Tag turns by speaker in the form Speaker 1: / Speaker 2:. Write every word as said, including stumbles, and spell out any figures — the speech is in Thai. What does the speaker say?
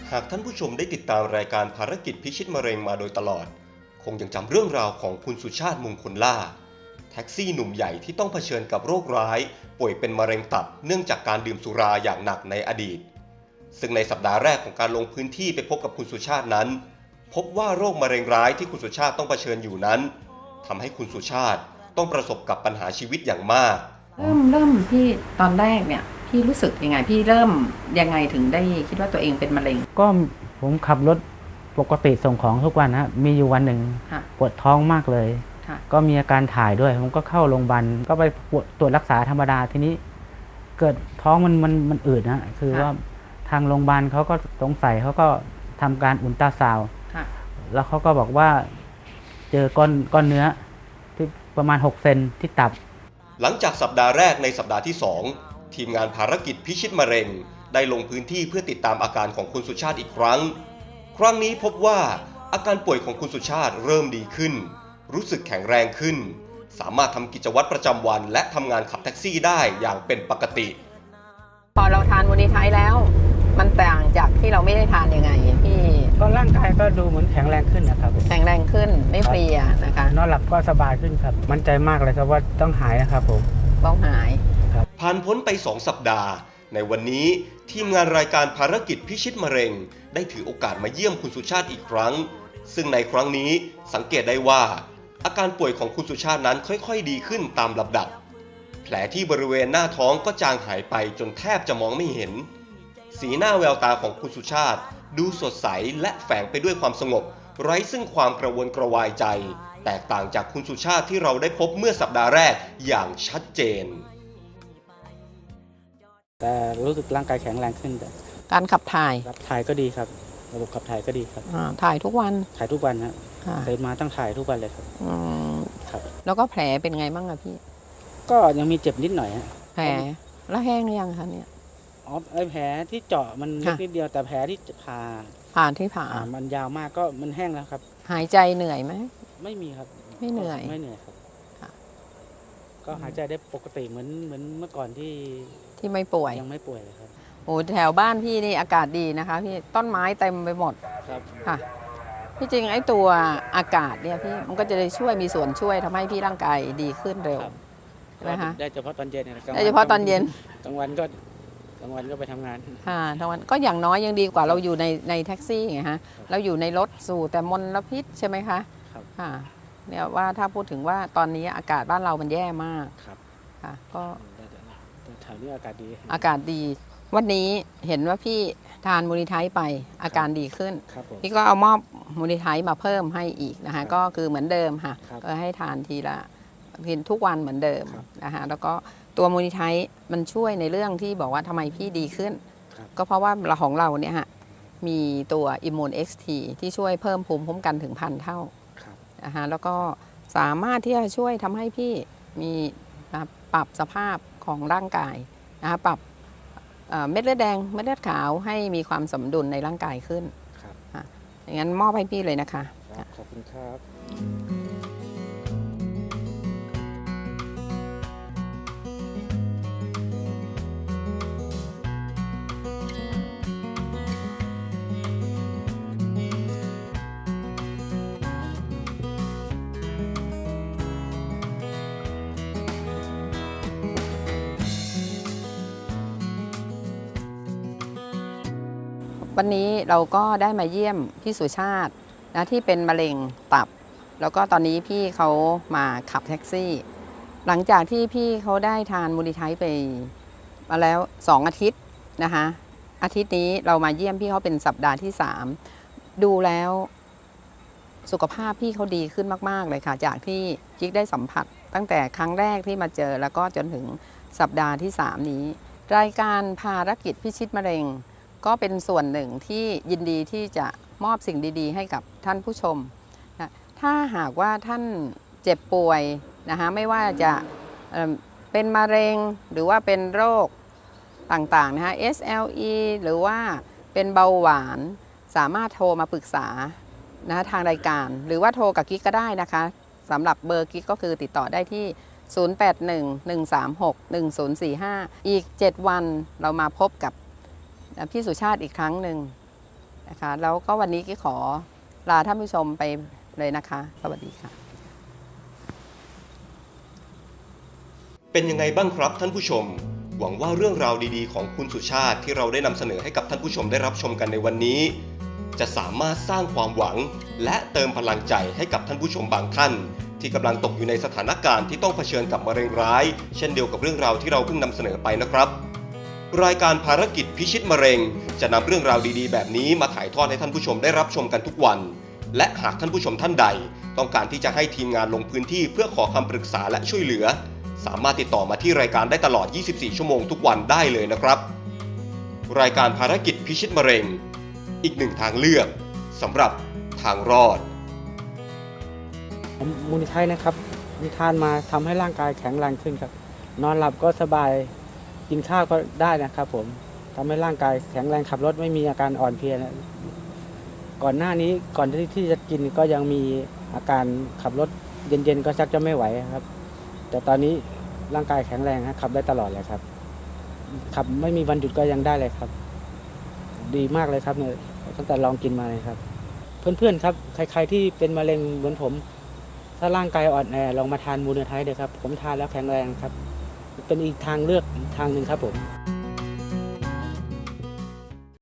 Speaker 1: หากท่านผู้ชมได้ติดตามรายการภารกิจพิชิตมะเร็งมาโดยตลอดคงยังจำเรื่องราวของคุณสุชาติมงคลล่าแท็กซี่หนุ่มใหญ่ที่ต้องเผชิญกับโรคร้ายป่วยเป็นมะเร็งตับเนื่องจากการดื่มสุราอย่างหนักในอดีตซึ่งในสัปดาห์แรกของการลงพื้นที่ไปพบกับคุณสุชาตินั้นพบว่าโรคมะเร็งร้ายที่คุณสุชาติต้องเผชิญอยู่นั้นทำให้คุณสุชาติต้องประสบกับปัญหาชีวิตอย่างมาก
Speaker 2: เริ่มเริ่มพี่ตอนแรกเนี่ยพี่รู้สึกยังไงพี่เริ่มยังไงถึงได้คิดว่าตัวเองเป็นมะเร็ง
Speaker 3: ก็ผมขับรถปกติส่งของทุกวันนะมีอยู่วันหนึ่งปวดท้องมากเลยก็มีอาการถ่ายด้วยผมก็เข้าโรงพยาบาลก็ไปตรวจรักษาธรรมดาทีนี้เกิดท้องมันมันมันอืดนะคือว่าทางโรงพยาบาลเขาก็สงสัยเขาก็ทำการอุลตราซาวด์แล้วเขาก็บอกว่าเจอก้อนก้อนเนื้อที่ประมาณหกเซนที่ตับ
Speaker 1: หลังจากสัปดาห์แรกในสัปดาห์ที่สองทีมงานภารกิจพิชิตมะเร็งได้ลงพื้นที่เพื่อติดตามอาการของคุณสุชาติอีกครั้งครั้งนี้พบว่าอาการป่วยของคุณสุชาติเริ่มดีขึ้นรู้สึกแข็งแรงขึ้นสามารถทำกิจวัตรประจำวันและทำงานขับแท็กซี่ได้อย่างเป็นปกติ
Speaker 2: พอเราทานมูนิไทยแล้วมันต่างจากที่เราไม่ได้ทานยังไงพี่
Speaker 3: ก็ร่างกายก็ดูเหมือนแข็งแรงขึ้นนะครับ
Speaker 2: แข็งแรงขึ้นไม่เพลียนะคะ
Speaker 3: นอนหลับก็สบายขึ้นครับมั่นใจมากเลยครับว่าต้องหายนะครับผม
Speaker 2: ต้องหาย
Speaker 1: ผ่านพ้นไปสองสัปดาห์ในวันนี้ทีมงานรายการภารกิจพิชิตมะเร็งได้ถือโอกาสมาเยี่ยมคุณสุชาติอีกครั้งซึ่งในครั้งนี้สังเกตได้ว่าอาการป่วยของคุณสุชาตินั้นค่อยๆดีขึ้นตามลำดับแผลที่บริเวณหน้าท้องก็จางหายไปจนแทบจะมองไม่เห็นสีหน้าแววตาของคุณสุชาติดูสดใสและแฝงไปด้วยความสงบไร้ซึ่งความกระวนกระวายใจแตกต่างจากคุณสุชาติที่เราได้พบเมื่อสัปดาห์แรกอย่างชัดเจน
Speaker 3: แต่รู้สึกร่างกายแข็งแรงขึ้นแต่
Speaker 2: การขับถ่าย
Speaker 3: ขับถ่ายก็ดีครับระบบขับถ่ายก็ดีครับ
Speaker 2: ถ่ายทุกวัน
Speaker 3: ถ่ายทุกวันครับเคยมาตั้งถ่ายทุกวันเลยครับ
Speaker 2: ครับแล้วก็แผลเป็นไงบ้างอะพี่
Speaker 3: ก็ยังมีเจ็บนิดหน่อยฮะ
Speaker 2: แผลแล้วแห้งหรือยังคะเนี่ย
Speaker 3: อ๋อไอแผลที่เจาะมันเล็กนิดเดียวแต่แผลที่ผ่า
Speaker 2: ผ่าที่ผ่า
Speaker 3: มันยาวมากก็มันแห้งแล้วครับ
Speaker 2: หายใจเหนื่อยไหม
Speaker 3: ไม่มีครับ
Speaker 2: ไม่เหนื่อย
Speaker 3: ไม่เหนื่อยครับก็หายใจได้ปกติเหมือนเหมือนเมื่อก่อนที่
Speaker 2: ที่ไม่ป่วย
Speaker 3: ยังไม่ป่วยเลยครับ
Speaker 2: โอ้แถวบ้านพี่นี่อากาศดีนะคะพี่ต้นไม้เต็มไปหมด
Speaker 3: ครับ
Speaker 2: ค่ะที่จริงไอ้ตัวอากาศเนี่ยพี่มันก็จะได้ช่วยมีส่วนช่วยทำให้พี่ร่างกายดีขึ้นเร็วใช่ไหมคะ
Speaker 3: ได้เฉพาะตอนเย็น
Speaker 2: ได้เฉพาะตอนเย็น
Speaker 3: กลางวันก็กลางวันก็ไปทำงาน
Speaker 2: ค่ะกลางวันก็อย่างน้อยยังดีกว่าเราอยู่ในในแท็กซี่ไงฮะเราอยู่ในรถสู่แต่มลพิษใช่ไหมคะ
Speaker 3: ครับ
Speaker 2: ค่ะเนี่ยว่าถ้าพูดถึงว่าตอนนี้อากาศบ้านเรามันแย่มาก
Speaker 3: ครับ
Speaker 2: ค่ะก็
Speaker 3: แถวนี้อากาศดี
Speaker 2: อากาศดีวันนี้เห็นว่าพี่ทานมูนิไทไปอาการดีขึ้นพี่ก็เอามอบมูนิไทมาเพิ่มให้อีกนะคะก็คือเหมือนเดิมค่ะก็ให้ทานทีละเพียงทุกวันเหมือนเดิมนะคะแล้วก็ตัวมูนิไทมันช่วยในเรื่องที่บอกว่าทำไมพี่ดีขึ้นก็เพราะว่าเราของเราเนี่ยฮะมีตัวอิมมูนเอ็กซ์ทีที่ช่วยเพิ่มภูมิคุ้มกันถึงพันเท่านะคะแล้วก็สามารถที่จะช่วยทำให้พี่มีปรับสภาพของร่างกายนะคะปรับเม็ดเลือดแดงเม็ดเลือดขาวให้มีความสมดุลในร่างกายขึ้นอย่างนั้นมอบให้พี่เลยนะคะ
Speaker 3: ขอบคุณครับ
Speaker 2: วันนี้เราก็ได้มาเยี่ยมพี่สุชาตินะที่เป็นมะเร็งตับแล้วก็ตอนนี้พี่เขามาขับแท็กซี่หลังจากที่พี่เขาได้ทานมูนิไทไปมาแล้วสองอาทิตย์นะคะอาทิตย์นี้เรามาเยี่ยมพี่เขาเป็นสัปดาห์ที่สามดูแล้วสุขภาพพี่เขาดีขึ้นมากๆเลยค่ะจากที่กิ๊กได้สัมผัสตั้งแต่ครั้งแรกที่มาเจอแล้วก็จนถึงสัปดาห์ที่สามนี้รายการภารกิจพิชิตมะเร็งก็เป็นส่วนหนึ่งที่ยินดีที่จะมอบสิ่งดีๆให้กับท่านผู้ชมนะถ้าหากว่าท่านเจ็บป่วยนะคะไม่ว่าจะเป็นมะเร็งหรือว่าเป็นโรคต่างๆนะคะ เอส แอล อี หรือว่าเป็นเบาหวานสามารถโทรมาปรึกษานะทางรายการหรือว่าโทรกับกิ๊กก็ได้นะคะสำหรับเบอร์กิ๊กก็คือติดต่อได้ที่ ศูนย์ แปด หนึ่ง หนึ่ง สาม หก หนึ่ง ศูนย์ สี่ ห้า อีกเจ็ดวันเรามาพบกับพี่สุชาติอีกครั้งหนึ่งนะคะแล้วก็วันนี้ก็ขอลาท่านผู้ชมไปเลยนะคะ สวัสดีค่ะ
Speaker 1: เป็นยังไงบ้างครับท่านผู้ชม หวังว่าเรื่องราวดีๆของคุณสุชาติที่เราได้นำเสนอให้กับท่านผู้ชมได้รับชมกันในวันนี้ จะสามารถสร้างความหวังและเติมพลังใจให้กับท่านผู้ชมบางท่าน ที่กำลังตกอยู่ในสถานการณ์ที่ต้องเผชิญกับมะเร็งร้ายเช่นเดียวกับเรื่องราวที่เราเพิ่งนำเสนอไปนะครับรายการภารกิจพิชิตมะเร็งจะนำเรื่องราวดีๆแบบนี้มาถ่ายทอดให้ท่านผู้ชมได้รับชมกันทุกวันและหากท่านผู้ชมท่านใดต้องการที่จะให้ทีมงานลงพื้นที่เพื่อขอคำปรึกษาและช่วยเหลือสามารถติดต่อมาที่รายการได้ตลอดยี่สิบสี่ชั่วโมงทุกวันได้เลยนะครับรายการภารกิจพิชิตมะเร็งอีกหนึ่งทางเลือกสำหรับทางรอด
Speaker 4: มูลนิธินะครับมีทานมาทำให้ร่างกายแข็งแรงขึ้นครับนอนหลับก็สบายกินข้าวก็ได้นะครับผมทำให้ร่างกายแข็งแรงขับรถไม่มีอาการอ่อนเพลียนะก่อนหน้านี้ก่อนที่ที่จะกินก็ยังมีอาการขับรถเย็นๆก็ชักจะไม่ไหวครับแต่ตอนนี้ร่างกายแข็งแรงครับขับได้ตลอดเลยครับขับไม่มีวันหยุดก็ยังได้เลยครับดีมากเลยครับเนี่ยตั้งแต่ลองกินมาเลยครับเพื่อนๆครับใครๆที่เป็นมะเร็งเหมือนผมถ้าร่างกายอ่อนแอลองมาทานมูลนิธิเถอะครับผมทานแล้วแข็งแรงครับเป็นอีกทางเลือกทางหนึ่งครับผม